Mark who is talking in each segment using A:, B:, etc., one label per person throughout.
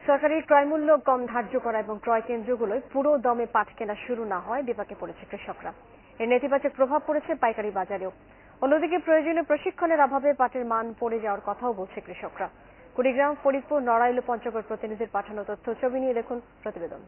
A: সরকারি ক্রয়মূল্য কম ধার্য করা এবং ক্রয় কেন্দ্রগুলোয় পুরো দমে পাট কেনা শুরু না হয় বিপাকে পড়েছে কৃষকরা। এর নেতিবাচক প্রভাব পড়েছে পাইকারি বাজারেও। অন্যদিকে প্রয়োজনীয় প্রশিক্ষণের অভাবে পাটের মান পড়ে যাওয়ার কথাও বলছে কৃষকরা। কুড়িগ্রাম, ফরিদপুর, নড়াইল ও পঞ্চগড় প্রতিনিধির পাঠানো তথ্য ছবি নিয়ে দেখুন প্রতিবেদন।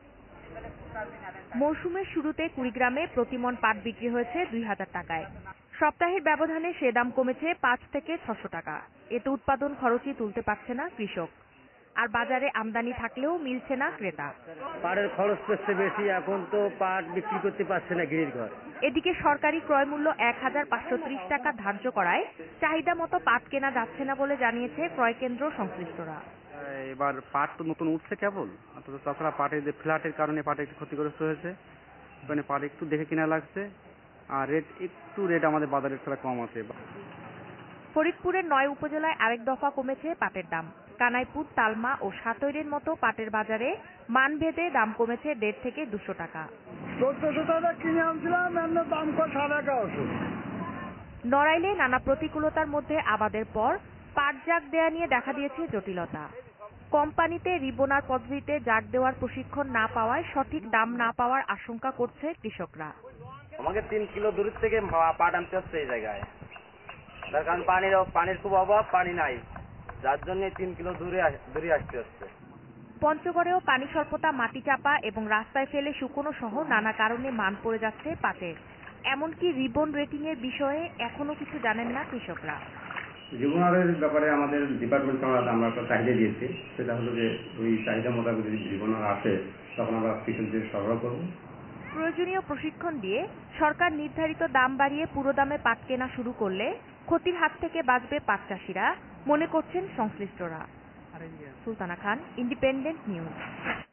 B: মৌসুমের শুরুতে কুড়িগ্রামে প্রতিমণ পাট বিক্রি হয়েছে ২,০০০ টাকায়। সপ্তাহের ব্যবধানে সে দাম কমেছে ৫ থেকে ৬০০ টাকা। এতে উৎপাদন খরচই তুলতে পারছে না কৃষক। আর বাজারে আমদানি থাকলেও মিলছে না ক্রেতা।
C: পাটের খরচ করছে বেশি, এখন তো পাট বিক্রি করতে পারছে না গিরির ঘর।
B: এদিকে সরকারি ক্রয় মূল্য ১,৫৩০ টাকা ধার্য করায় চাহিদা মতো পাট কেনা যাচ্ছে না বলে জানিয়েছে ক্রয় কেন্দ্র সংশ্লিষ্টরা।
D: এবার পাট তো নতুন উঠছে কেবল, তাছাড়া পাটের যে ফ্ল্যাটের কারণে পাট একটু ক্ষতিগ্রস্ত হয়েছে। মানে পাট একটু দেখে কিনা লাগছে, আর রেট আমাদের বাজারের ছাড়া কম আছে।
B: ফরিদপুরের ৯ উপজেলায় আরেক দফা কমেছে পাটের দাম। কানাইপুর, তালমা ও সাতৈরের মতো পাটের বাজারে মানভেদে দাম কমেছে ১৫০ থেকে ২০০ টাকা।
E: ১৪০০ টাকা কিনে আনছিলাম, এমনি দাম কম ১১৫০।
B: নড়াইলে নানা প্রতিকূলতার মধ্যে আবাদের পর পাট জাগ দেয়া নিয়ে দেখা দিয়েছে জটিলতা। কোম্পানিতে রিবোনার পদ্ধতিতে জাগ দেওয়ার প্রশিক্ষণ না পাওয়ায় সঠিক দাম না পাওয়ার আশঙ্কা করছে কৃষকরা।
C: আমাকে ৩ কিলো দূর থেকে পাট আনতে হচ্ছে এই জায়গায়, তার কারণ পানির খুব অভাব, পানি নাই, যার জন্য ৩ কিলো দূরে আসতে হচ্ছে।
B: পঞ্চগড়েও পানি স্বল্পতা, মাটি চাপা এবং রাস্তায় ফেলে শুকনো সহ নানা কারণে মান পড়ে যাচ্ছে পাটের। এমনকি রিবন রেটিং এর বিষয়ে এখনো কিছু জানেন না কৃষকরা।
F: রিবনারের ব্যাপারে আমাদের ডিপার্টমেন্ট আমরা একটা চাহিদা দিয়েছি, সেটা হলো যে ওই চাহিদা মোতাবেক যদি রিবনার আসে তখন আমরা কৃষকদের সরবরাহ করব।
B: প্রয়োজনীয় প্রশিক্ষণ দিয়ে সরকার নির্ধারিত দাম বাড়িয়ে পুরো দামে পাট কেনা শুরু করলে ক্ষতির হাত থেকে বাঁচবে পাট চাষিরা, মনে করছেন সংশ্লিষ্টরা। Sultana Khan, Independent news.